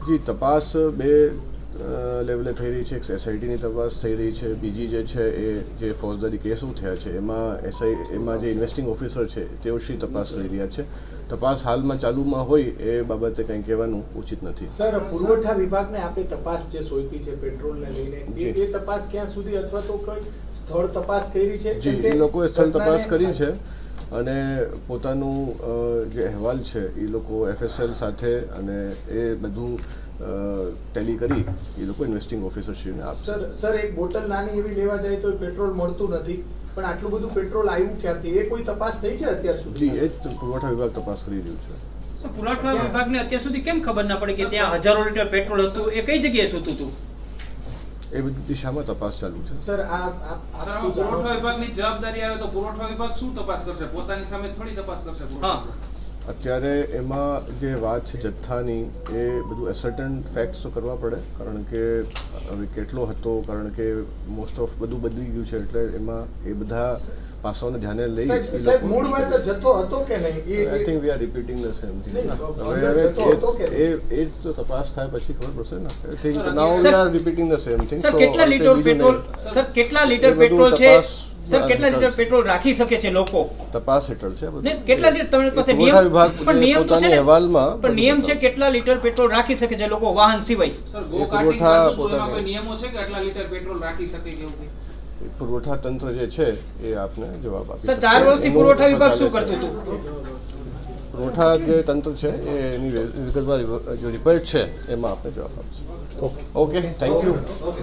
જી તપાસ બે લેવલે થઈ રહી છે. એક એસઆઈટીની તપાસ થઈ રહી છે, બીજી જે છે એ જે ફોજદારી કેસો થયા છે એમાં જે ઇન્વેસ્ટિંગ ઓફિસર છે તેઓ તપાસ કરી રહ્યા છે. તપાસ હાલમાં ચાલુમાં હોય એ બાબતે કંઈ કહેવાનું ઉચિત નથી. સર, પુરવઠા વિભાગને આપે તપાસ જે સોંપી છે પેટ્રોલને લઈને એ તપાસ ક્યાં સુધી અથવા તો કોઈ સ્થળ તપાસ કરી છે? જી, એ લોકોએ સ્થળ તપાસ કરી છે અને પોતાનું જે અહેવાલ છે એ લોકો એફએસએલ સાથે અને એ બધું ટેલી કરી એ લોકો ઇન્વેસ્ટિંગ ઓફિસરશ્રીને આપશે. સર, એક બોટલ નાની એવી લેવા જાય તો પેટ્રોલ મળતું નથી, પણ આટલું બધું પેટ્રોલ આવ્યું ક્યાંથી, એ કોઈ તપાસ થઈ છે અત્યાર સુધી? જી, એ જ પુરવઠા વિભાગ તપાસ કરી રહ્યું છે. પુરવઠા વિભાગને અત્યાર સુધી કેમ ખબર ના પડી કે ત્યાં હજારો લીટર પેટ્રોલ હતું? એ કઈ જગ્યાએ સૂતું હતું? એ બધી દિશામાં તપાસ ચાલુ છે. સર, પુરવઠા વિભાગની જવાબદારી આવે તો પુરવઠા વિભાગ શું તપાસ કરશે? પોતાની સામે થોડી તપાસ કરશે. અત્યારે એમાં જે વાત છે જથ્થાની, એ બધું એસર્ટન ફેક્ટ્સ તો કરવા પડે, કારણ કે હવે કેટલો હતો, કારણ કે મોસ્ટ ઓફ બધું બદલી ગયું છે, એટલે એમાં એ બધા પાસાઓને ધ્યાને લઈ જથ્થો હતો કે નહીં, I think we are repeating the same thing. હવે એ તો તપાસ થાય પછી ખબર પડશે ને. I think now we are repeating the same thing. Sir, કેટલા લીટર પેટ્રોલ છે? સર, કેટલા લીટર પેટ્રોલ રાખી શકે છે લોકો? તપાસ હેઠળ છે. કેટલા લીટર તમારી પાસે પુરવઠા વિભાગ પોતાના અહેવાલમાં પણ નિયમ છે કેટલા લીટર પેટ્રોલ રાખી શકે છે લોકો વાહન સિવાય? સર, ગો કાર્ટિંગ કોઈ નિયમો છે કે આટલા લીટર પેટ્રોલ રાખી શકે કે એવું? પુરવઠા તંત્ર જે છે એ આપને જવાબ આપે. સર, 4 વર્ષથી પુરવઠા વિભાગ શું કરતું હતું? પુરવઠા જે તંત્ર છે એની વિગતવાર જે રિપોર્ટ છે એમાં આપને જવાબ આપશે. Okay, thank you.